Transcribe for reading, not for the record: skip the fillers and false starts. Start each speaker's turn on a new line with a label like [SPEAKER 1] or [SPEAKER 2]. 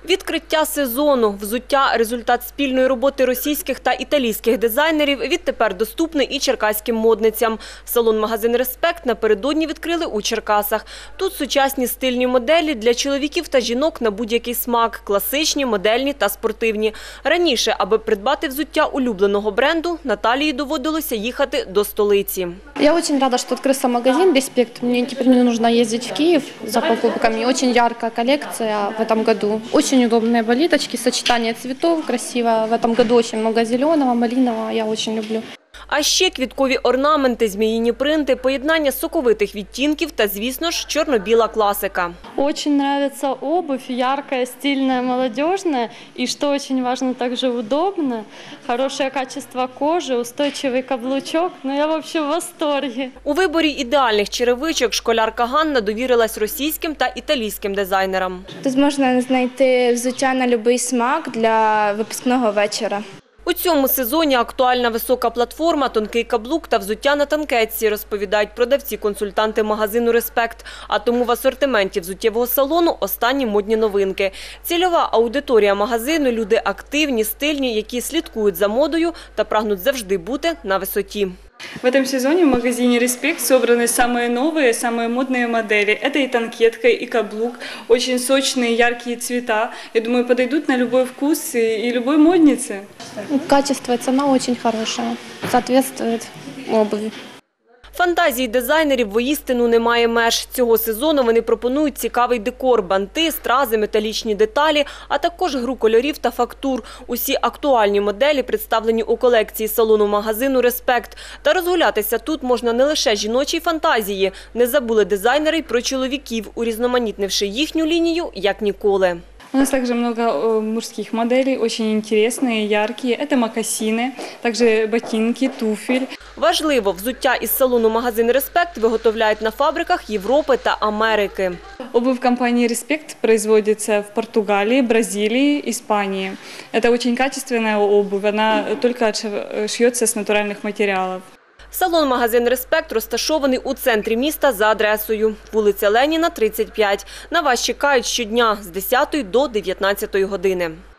[SPEAKER 1] Відкриття сезону. Взуття – результат спільної роботи російських та італійських дизайнерів. Відтепер доступний і черкаським модницям. Салон-магазин «Респект» напередодні відкрили у Черкасах. Тут сучасні стильні моделі для чоловіків та жінок на будь-який смак – класичні, модельні та спортивні. Раніше, аби придбати взуття улюбленого бренду, Наталії доводилося їхати до столиці.
[SPEAKER 2] Я очень рада, что открылся магазин «Респект». Мне теперь не нужно ездить в Киев за покупками. Очень яркая коллекция в этом году. Очень удобные болиточки, сочетание цветов красиво. В этом году очень много зеленого, малинового. Я очень люблю.
[SPEAKER 1] А ще квіткові орнаменти, зміїні принти, поєднання соковитих відтінків та, звісно ж, чорно-біла класика.
[SPEAKER 3] Очень нравится обувь, яркая, стильная, молодежная. И что очень важно, также удобно. Хорошее качество кожи, устойчивый каблучок. Ну, я вообще в восторге.
[SPEAKER 1] У виборі ідеальних черевичок школярка Ганна довірилась російським та італійським дизайнерам.
[SPEAKER 4] Тут можна знайти взуття на будь-який смак для випускного вечора.
[SPEAKER 1] У цьому сезоні актуальна висока платформа, тонкий каблук та взуття на танкетці, розповідають продавці-консультанти магазину «Респект». А тому в асортименті взуттєвого салону останні модні новинки. Цільова аудиторія магазину – люди активні, стильні, які слідкують за модою та прагнуть завжди бути на висоті.
[SPEAKER 5] В этом сезоне в магазине «Респект» собраны самые новые, самые модные модели. Это и танкетка, и каблук, очень сочные, яркие цвета. Я думаю, подойдут на любой вкус и любой моднице.
[SPEAKER 2] Качество и цена очень хорошая. Соответствует обуви.
[SPEAKER 1] Фантазії дизайнерів воістину немає меж. Цього сезону вони пропонують цікавий декор – банти, стрази, металічні деталі, а також гру кольорів та фактур. Усі актуальні моделі представлені у колекції салону-магазину «Респект». Та розгулятися тут можна не лише жіночій фантазії. Не забули дизайнери й про чоловіків, урізноманітнивши їхню лінію як ніколи.
[SPEAKER 5] У нас также много мужских моделей, очень интересные, яркие. Это мокасины, также ботинки, туфель.
[SPEAKER 1] Важливо, взуття із салону-магазин «Респект» виготовляють на фабриках Європи та Америки.
[SPEAKER 5] Обувь компании «Респект» производится в Португалии, Бразилии, Испании. Это очень качественная обувь, она только шьется с натуральных материалов.
[SPEAKER 1] Салон-магазин «Респект» розташований у центрі міста за адресою вулиця Леніна, 35. На вас чекають щодня з 10 до 19 години.